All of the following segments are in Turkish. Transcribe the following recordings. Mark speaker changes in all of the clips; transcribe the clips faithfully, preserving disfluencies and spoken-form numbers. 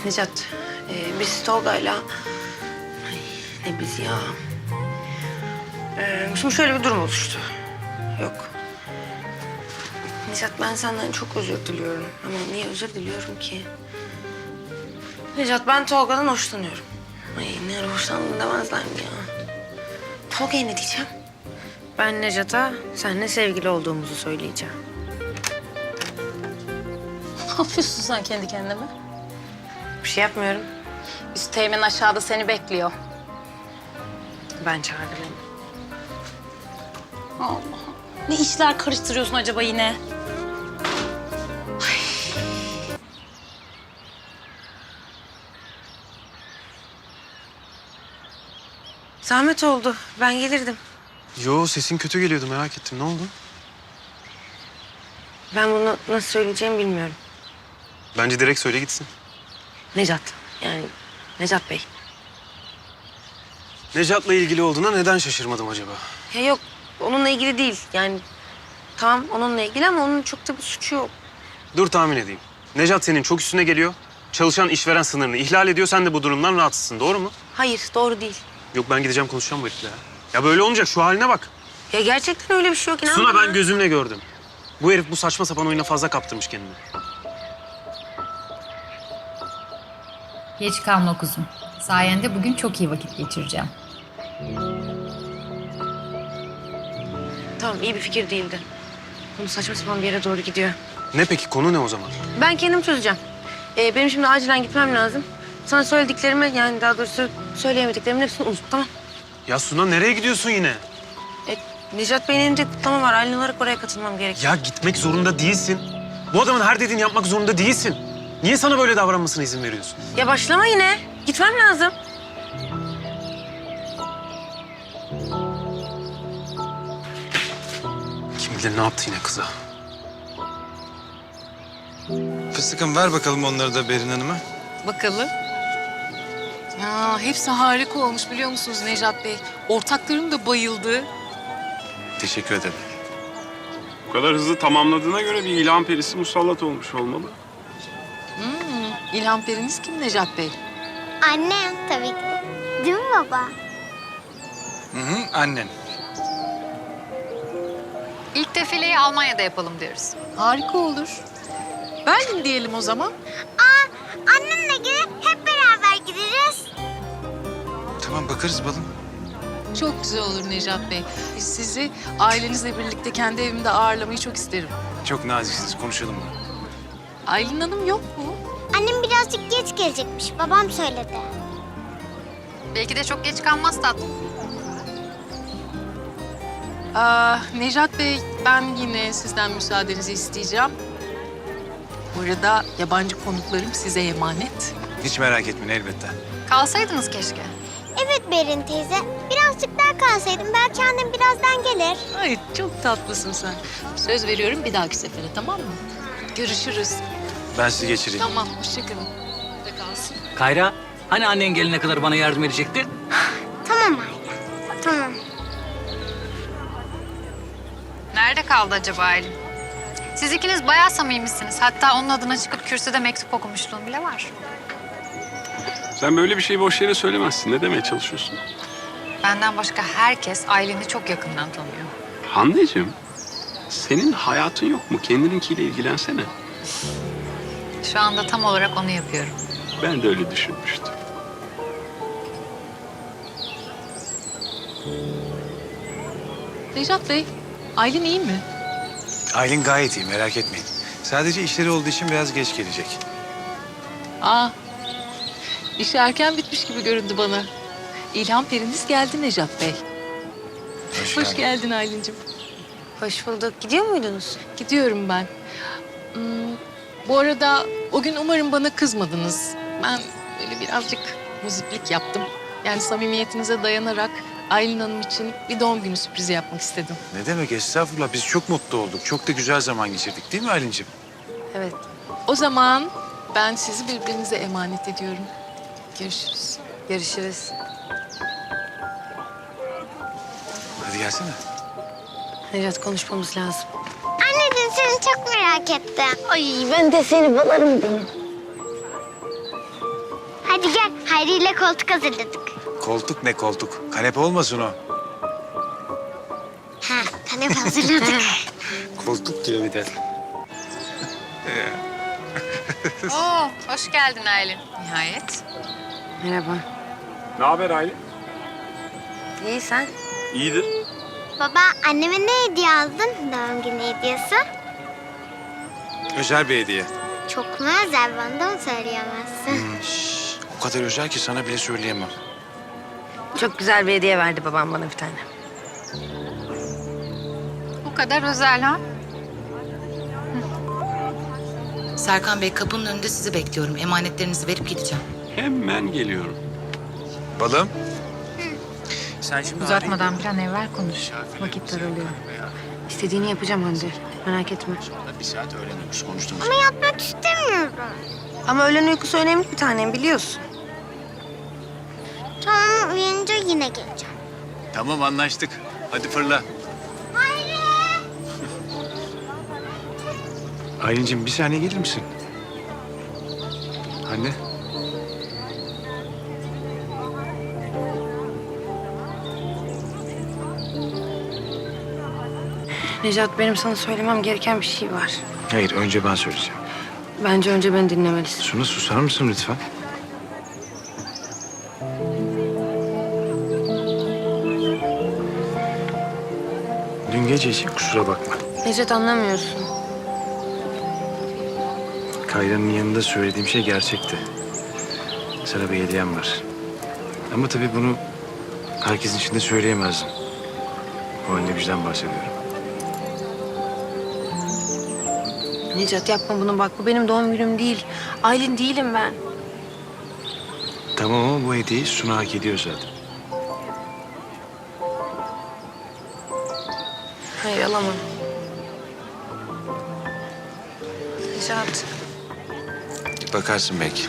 Speaker 1: Necat, e, biz Tolga'yla... Ay, ne biz ya? E, şimdi şöyle bir durum oluştu. Yok. Necat, ben senden çok özür diliyorum. Ama niye özür diliyorum ki? Necat, ben Tolga'dan hoşlanıyorum. Ay, ne ara hoşlandın demezler mi ya? Tolga'ya ne diyeceğim? Ben Necat'a seninle sevgili olduğumuzu söyleyeceğim.
Speaker 2: Ne yapıyorsun sen kendi kendine?
Speaker 1: Bir şey yapmıyorum.
Speaker 2: Üsteğmen aşağıda seni bekliyor.
Speaker 1: Ben çağırdım onu.
Speaker 2: Allah. Ne işler karıştırıyorsun acaba yine?
Speaker 1: Zahmet oldu. Ben gelirdim.
Speaker 3: Yo, sesin kötü geliyordu, merak ettim. Ne oldu?
Speaker 1: Ben bunu nasıl söyleyeceğimi bilmiyorum.
Speaker 3: Bence direkt söyle gitsin.
Speaker 1: Necat. Yani Necat Bey.
Speaker 3: Necat'la ilgili olduğuna neden şaşırmadım acaba?
Speaker 1: Ya yok, onunla ilgili değil. Yani tamam onunla ilgili ama onun çok da bir suçu yok.
Speaker 3: Dur tahmin edeyim. Necat senin çok üstüne geliyor. Çalışan işveren sınırını ihlal ediyor. Sen de bu durumdan rahatsızsın, doğru mu?
Speaker 1: Hayır, doğru değil.
Speaker 3: Yok, ben gideceğim konuşacağım bu herifle ya. Ya böyle olmayacak, şu haline bak.
Speaker 1: Ya gerçekten öyle bir şey yok. İnan
Speaker 3: Suna,
Speaker 1: bana.
Speaker 3: ben gözümle gördüm. Bu herif bu saçma sapan oyuna fazla kaptırmış kendini.
Speaker 4: Geç kalma kuzum. Sayende bugün çok iyi vakit geçireceğim.
Speaker 1: Tamam, iyi bir fikir değildi. Konu saçma sapan bir yere doğru gidiyor.
Speaker 3: Ne peki, konu ne o zaman?
Speaker 1: Ben kendim çözeceğim. Ee, benim şimdi acilen gitmem lazım. Sana söylediklerimi, yani daha doğrusu söyleyemediklerimin hepsini unut, tamam?
Speaker 3: Ya Suna, nereye gidiyorsun yine?
Speaker 1: E, Necat Bey'in elinde kutlama var. Aylin olarak oraya katılmam gerekiyor.
Speaker 3: Ya gitmek zorunda değilsin. Bu adamın her dediğini yapmak zorunda değilsin. Niye sana böyle davranmasına izin veriyorsun?
Speaker 1: Ya başlama yine. Gitmem lazım.
Speaker 3: Kim bilir ne yaptı yine kıza.
Speaker 5: Fıstıkım, ver bakalım onları da Berin Hanım'a.
Speaker 6: Bakalım. Ya hepsi harika olmuş biliyor musunuz Necat Bey? Ortaklarım da bayıldı.
Speaker 5: Teşekkür ederim.
Speaker 7: Bu kadar hızlı tamamladığına göre bir ilham perisi musallat olmuş olmalı.
Speaker 6: İlham periniz kim Necat Bey?
Speaker 8: Annem tabii ki de. Değil mi baba?
Speaker 5: Hı hı, annen.
Speaker 4: İlk defileyi Almanya'da yapalım diyoruz.
Speaker 6: Harika olur. Berlin diyelim o zaman.
Speaker 8: Aa, annemle gelip hep beraber gideriz.
Speaker 5: Tamam, bakarız balım.
Speaker 6: Çok güzel olur Necat Bey. Sizi ailenizle birlikte kendi evimde ağırlamayı çok isterim.
Speaker 5: Çok naziksiniz, konuşalım bunu.
Speaker 6: Aylin Hanım yok mu?
Speaker 8: Annem birazcık geç gelecekmiş. Babam söyledi.
Speaker 4: Belki de çok geç kalmaz tatlım.
Speaker 6: Aa, Necat Bey, ben yine sizden müsaadenizi isteyeceğim. Bu arada yabancı konuklarım size emanet.
Speaker 5: Hiç merak etmeyin, elbette.
Speaker 4: Kalsaydınız keşke.
Speaker 8: Evet Berin teyze. Birazcık daha kalsaydım belki annem birazdan gelir.
Speaker 6: Ay çok tatlısın sen. Söz veriyorum bir dahaki sefere, tamam mı? Görüşürüz.
Speaker 5: Ben sizi geçireyim.
Speaker 6: Tamam, hoşçakalın. De kalsın.
Speaker 9: Kayra, hani annen gelene kadar bana yardım edecektin?
Speaker 8: Tamam anne. Tamam.
Speaker 4: Nerede kaldı acaba Aylin? Siz ikiniz bayağı samimisiniz. Hatta onun adına çıkıp kürsüde mektup okumuşluğum bile var.
Speaker 7: Sen böyle bir şeyi boş yere söylemezsin. Ne demeye çalışıyorsun?
Speaker 4: Benden başka herkes Aylin'i çok yakından tanıyor.
Speaker 7: Hande'cim, senin hayatın yok mu? Kendininkiyle ilgilensene.
Speaker 4: Şu anda tam olarak onu yapıyorum.
Speaker 7: Ben de öyle düşünmüştüm.
Speaker 6: Necat Bey, Aylin iyi mi?
Speaker 5: Aylin gayet iyi, merak etmeyin. Sadece işleri olduğu için biraz geç gelecek.
Speaker 6: Aa, işi erken bitmiş gibi göründü bana. İlham periniz geldi Necat Bey.
Speaker 5: Hoş,
Speaker 6: Hoş
Speaker 5: geldin.
Speaker 6: geldin Aylin'cim.
Speaker 1: Hoş bulduk. Gidiyor muydunuz?
Speaker 6: Gidiyorum ben. Hmm, bu arada o gün umarım bana kızmadınız. Ben böyle birazcık muziplik yaptım. Yani samimiyetinize dayanarak Aylin Hanım için bir doğum günü sürprizi yapmak istedim.
Speaker 5: Ne demek, estağfurullah. Biz çok mutlu olduk. Çok da güzel zaman geçirdik, değil mi Aylin'ciğim?
Speaker 1: Evet.
Speaker 6: O zaman ben sizi birbirinize emanet ediyorum. Görüşürüz.
Speaker 1: Görüşürüz.
Speaker 5: Hadi gelsene.
Speaker 1: Necat, konuşmamız lazım.
Speaker 8: Anneciğim seni çok merak ettim.
Speaker 1: Ay ben de seni balarım benim.
Speaker 8: Hadi gel, Hayri ile koltuk hazırladık.
Speaker 5: Koltuk ne koltuk? Kanepe olmasın o.
Speaker 8: Ha, kanepe hazırladık.
Speaker 5: Koltuk diyor bir de.
Speaker 4: Oo, hoş geldin Aylin. Nihayet.
Speaker 1: Merhaba.
Speaker 7: Ne haber Aylin?
Speaker 1: İyi sen?
Speaker 7: İyidir.
Speaker 8: Baba, anneme ne hediye aldın? Doğum günü hediyesi.
Speaker 5: Özel bir hediye.
Speaker 8: Çok mu özel, bana da mı söyleyemezsin?
Speaker 5: Şş, o kadar özel ki sana bile söyleyemem.
Speaker 1: Çok güzel bir hediye verdi babam bana bir tane.
Speaker 4: Bu kadar özel ha?
Speaker 10: Serkan Bey kapının önünde sizi bekliyorum. Emanetlerinizi verip gideceğim.
Speaker 7: Hemen geliyorum.
Speaker 5: Balım. Sen şimdi
Speaker 4: Uzatmadan bir an evvel konuş. Vakit daralıyor.
Speaker 1: İstediğini yapacağım Hande. Merak etme.
Speaker 5: bir saat öğreniyoruz konuştuğumuz.
Speaker 8: Ama yatmak istemiyorum.
Speaker 1: Ama öğlen uykusu önemli bir tanem biliyorsun.
Speaker 8: Tamam, uyanınca yine geleceğim.
Speaker 5: Tamam anlaştık. Hadi fırla. Aylin'cim bir saniye gelir misin? Anne.
Speaker 1: Necat benim sana söylemem gereken bir şey var.
Speaker 5: Hayır önce ben söyleyeceğim.
Speaker 1: Bence önce beni dinlemelisin.
Speaker 5: Suna susar mısın lütfen? Dün gece için kusura bakma.
Speaker 1: Necat anlamıyorsun.
Speaker 5: Kayra'nın yanında söylediğim şey gerçekti. Sana bir hediyem var. Ama tabii bunu herkesin içinde söyleyemezdim. O halde bizden bahsediyorum.
Speaker 1: Necat yapma bunu bak. Bu benim doğum günüm değil. Aylin değilim ben.
Speaker 5: Tamam ama bu hediyeyi Suna hak ediyor zaten.
Speaker 1: Hayır alamam. Necat.
Speaker 5: Bakarsın belki.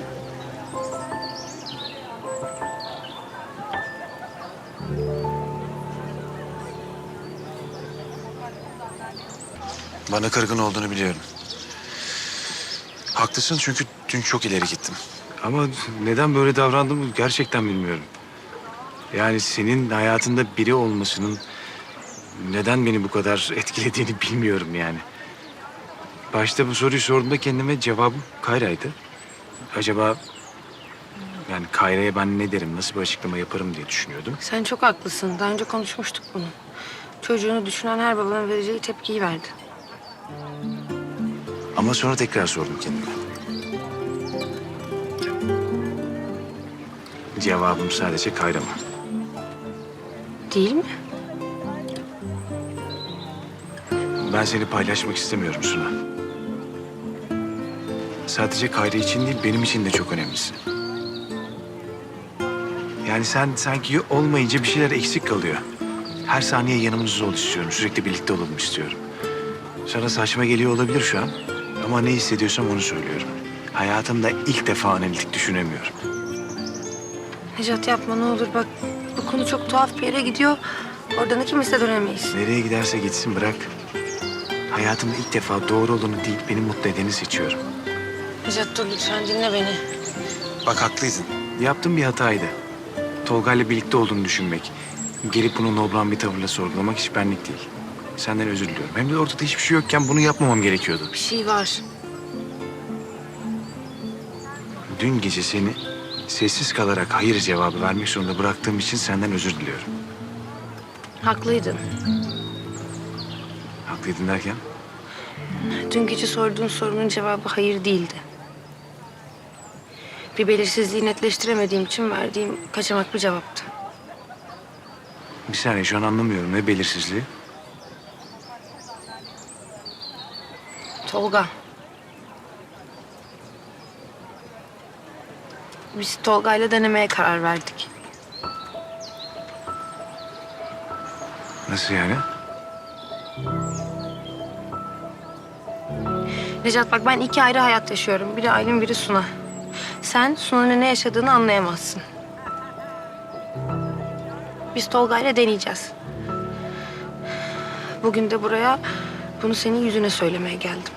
Speaker 5: Bana kırgın olduğunu biliyorum. Haklısın çünkü dün çok ileri gittim. Ama neden böyle davrandığımı gerçekten bilmiyorum. Yani senin hayatında biri olmasının neden beni bu kadar etkilediğini bilmiyorum yani. Başta bu soruyu sorduğumda kendime cevabım Kayra'ydı. Acaba yani Kayra'ya ben ne derim, nasıl bir açıklama yaparım diye düşünüyordum.
Speaker 1: Sen çok haklısın. Daha önce konuşmuştuk bunu. Çocuğunu düşünen her babanın vereceği tepkiyi verdi.
Speaker 5: Ama sonra tekrar sordum kendime. Cevabım sadece Kayra mı?
Speaker 1: Değil mi?
Speaker 5: Ben seni paylaşmak istemiyorum Suna. Sadece Kayra için değil, benim için de çok önemlisin. Yani sen sanki olmayınca bir şeyler eksik kalıyor. Her saniye yanımızda ol istiyorum, sürekli birlikte olalım istiyorum. Sana saçma geliyor olabilir şu an. Ama ne hissediyorsam onu söylüyorum. Hayatımda ilk defa analitik düşünemiyorum.
Speaker 1: Necat yapma ne olur bak. Bu konu çok tuhaf bir yere gidiyor. Oradan ikimiz de dönemeyiz.
Speaker 5: Nereye giderse gitsin bırak. Hayatımda ilk defa doğru olanı değil, beni mutlu edeni seçiyorum.
Speaker 1: Necat dur lütfen dinle beni.
Speaker 5: Bak haklıydın. Yaptığım bir hataydı. Tolga'yla birlikte olduğunu düşünmek. Gelip bunu nobran bir tavırla sorgulamak hiç benlik değil. Senden özür diliyorum. Hem de ortada hiçbir şey yokken bunu yapmamam gerekiyordu.
Speaker 1: Bir şey var.
Speaker 5: Dün gece seni sessiz kalarak hayır cevabı vermek zorunda bıraktığım için senden özür diliyorum.
Speaker 1: Haklıydın.
Speaker 5: Haklıydın derken?
Speaker 1: Dün gece sorduğun sorunun cevabı hayır değildi. Bir belirsizliği netleştiremediğim için verdiğim kaçamak bir cevaptı.
Speaker 5: Bir saniye şu an anlamıyorum. Ne belirsizliği?
Speaker 1: Tolga. Biz Tolga'yla denemeye karar verdik.
Speaker 5: Nasıl yani?
Speaker 1: Necat bak ben iki ayrı hayat yaşıyorum. Biri Aylin, biri Suna. Sen Suna'nın ne yaşadığını anlayamazsın. Biz Tolga'yla deneyeceğiz. Bugün de buraya bunu senin yüzüne söylemeye geldim.